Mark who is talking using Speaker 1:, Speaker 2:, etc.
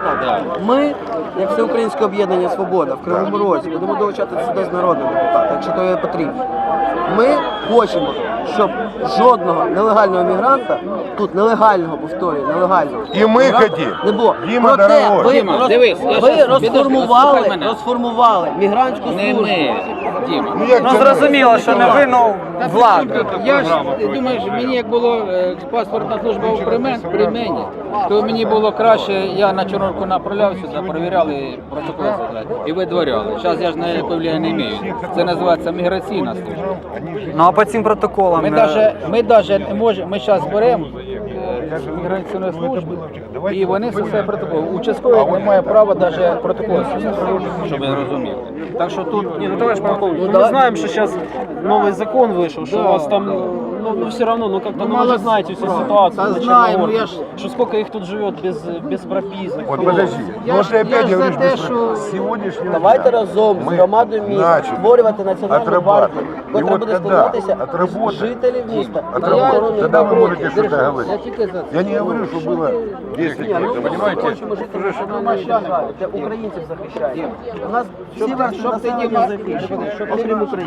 Speaker 1: так. Ми, як Всеукраїнське об'єднання «Свобода» в Кривому Розі, будемо долучати сюди з народного депутата, якщо то є потрібно. Ми хочемо, щоб жодного нелегального мігранта, тут нелегального, повторюю, нелегального,
Speaker 2: І ми
Speaker 1: мігранта
Speaker 2: хотімо.
Speaker 1: не було.
Speaker 2: Діма,
Speaker 1: Проте
Speaker 2: дорогой.
Speaker 3: Діма, дивись, я
Speaker 1: ви
Speaker 3: щас-
Speaker 1: розформували мігрантську
Speaker 3: Не
Speaker 1: службу.
Speaker 3: ми, Діма.
Speaker 2: Ну
Speaker 4: Зрозуміло, що не вину влади.
Speaker 3: Я ж, ти думаєш, мені як було паспортна служба при мені, то мені було краще, я на Чорнорку направлявся, перевіряли протоколи і видворяли. Зараз я ж не повлияття не маю. Це називається міграційна служба.
Speaker 4: Ну а по цим протоколам
Speaker 3: Ми даже не можемо, ми зараз беремо міграційну службу, і вони все протокол. Участковий не має права навіть протокол, щоб ви розуміли. Так що тут,
Speaker 5: Не, ну товарищ полковник, мы знаем, что сейчас новый закон вышел, что у вас там, ну все равно, ну как-то, ну вы же знаете всю ситуацию,
Speaker 3: Да знаем,
Speaker 5: Черногории,
Speaker 3: я ж-
Speaker 5: что сколько их тут живет без прописок.
Speaker 2: Вот подожди,
Speaker 3: Я
Speaker 2: ну
Speaker 3: ж-
Speaker 2: ты опять
Speaker 3: я ж за
Speaker 2: говоришь,
Speaker 3: те,
Speaker 2: без
Speaker 3: що-
Speaker 2: с сегодняшнего
Speaker 1: Давайте
Speaker 2: дня
Speaker 1: разом з
Speaker 2: ми
Speaker 1: громадою міста
Speaker 2: начали
Speaker 1: створювати національну
Speaker 2: отрабатывать.
Speaker 1: гвардію,
Speaker 2: И
Speaker 1: яка
Speaker 2: вот
Speaker 1: буде
Speaker 2: когда
Speaker 1: складатися
Speaker 2: отработаем,
Speaker 1: з жителів міста.
Speaker 2: отработаем, тогда вы можете что-то говорить.
Speaker 3: Я тільки за
Speaker 2: Я не говорю, что было 10
Speaker 1: Ні,
Speaker 2: лет, понимаете?
Speaker 1: хочемо жити в національній державі, де українців захищають. У нас всі версії
Speaker 3: щоб ти,
Speaker 1: населення
Speaker 3: Діма,
Speaker 1: захищені, окрім України.